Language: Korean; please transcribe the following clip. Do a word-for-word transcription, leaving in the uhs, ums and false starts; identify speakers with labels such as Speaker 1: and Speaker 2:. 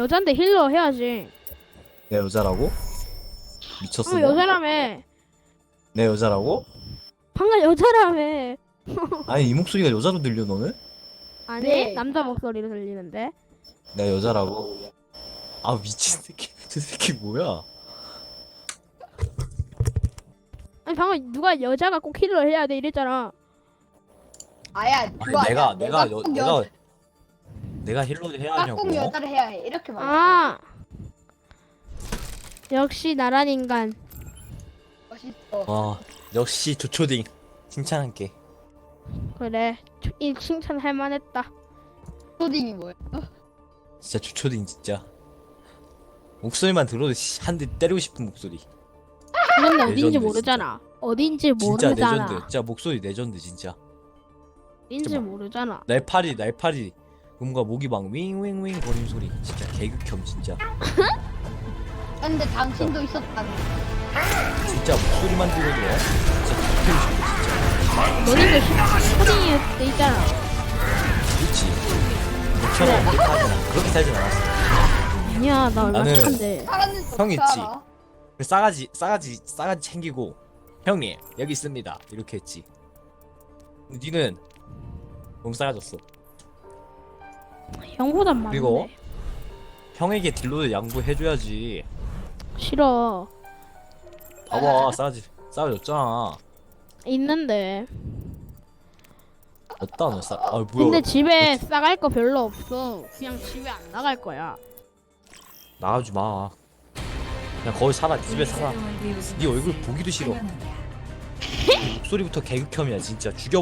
Speaker 1: 여잔데 힐러 해야지.
Speaker 2: 내 여자라고? 미쳤어?
Speaker 1: 어,
Speaker 2: 너?
Speaker 1: 여자라며.
Speaker 2: 내 여자라고?
Speaker 1: 방금 여자라며.
Speaker 2: 아니 이 목소리가 여자로 들려 너는?
Speaker 1: 아니
Speaker 3: 네.
Speaker 1: 남자 목소리로 들리는데.
Speaker 2: 내 여자라고? 아 미친 새끼 저 새끼 뭐야?
Speaker 1: 아니 방금 누가 여자가 꼭 힐러 해야 돼 이랬잖아.
Speaker 3: 아야
Speaker 2: 아니
Speaker 3: 그거
Speaker 2: 내가
Speaker 3: 아니야.
Speaker 2: 내가 여,
Speaker 3: 꼭
Speaker 2: 내가
Speaker 3: 여,
Speaker 2: 내가 힐러를 해야
Speaker 3: 내가
Speaker 2: 하냐고.
Speaker 3: 꼭 여자를 해야 해 이렇게 말해.
Speaker 1: 아 역시 나란 인간.
Speaker 3: 멋있어.
Speaker 2: 아 역시 조초딩 칭찬할게.
Speaker 1: 그래 이 칭찬 할 만했다.
Speaker 3: 초딩이 뭐야?
Speaker 2: 진짜 조초딩 진짜. 목소리만 들어도 한 대 때리고 싶은 목소리.
Speaker 1: 근데 어딘지
Speaker 2: 레전드,
Speaker 1: 모르잖아. 어딘지
Speaker 2: 진짜
Speaker 1: 모르잖아.
Speaker 2: 레전드. 진짜 목소리 레전드 진짜.
Speaker 1: 어딘지
Speaker 2: 진짜
Speaker 1: 모르잖아.
Speaker 2: 날파리 날파리 음과 목이 막 윙윙윙 거리는 소리 진짜 개극혐 진짜.
Speaker 3: 근데 당신도 있었다는.
Speaker 2: 진짜 목소리만 들어도 진짜 때리고 싶어 진짜.
Speaker 1: 너희도 초딩이 때 있잖아.
Speaker 2: 그렇지. 너처럼 그렇게 하진 않 그렇게 살진 않았어.
Speaker 1: 아니야 나 얼마
Speaker 2: 나는-
Speaker 1: 착한데.
Speaker 3: 사람은
Speaker 2: 형 있지.
Speaker 3: 알아?
Speaker 2: 그 싸가지 싸가지 싸가지 챙기고 형님 여기 있습니다 이렇게 했지. 근데 니는 너무 싸가졌어.
Speaker 1: 형보단 많은데.
Speaker 2: 그리고 형에게 딜로를 양보해줘야지.
Speaker 1: 싫어.
Speaker 2: 봐봐 싸가지 싸가졌잖아.
Speaker 1: 있는데.
Speaker 2: 없다 너 싸. 아 뭐야?
Speaker 1: 근데 집에 싸갈 거 별로 없어. 그냥 집에 안 나갈 거야.
Speaker 2: 나가지 마. 그냥 거기 살아. 집에 살아. 네 얼굴 보기도 싫어. 목소리부터 개극혐이야 진짜. 죽여.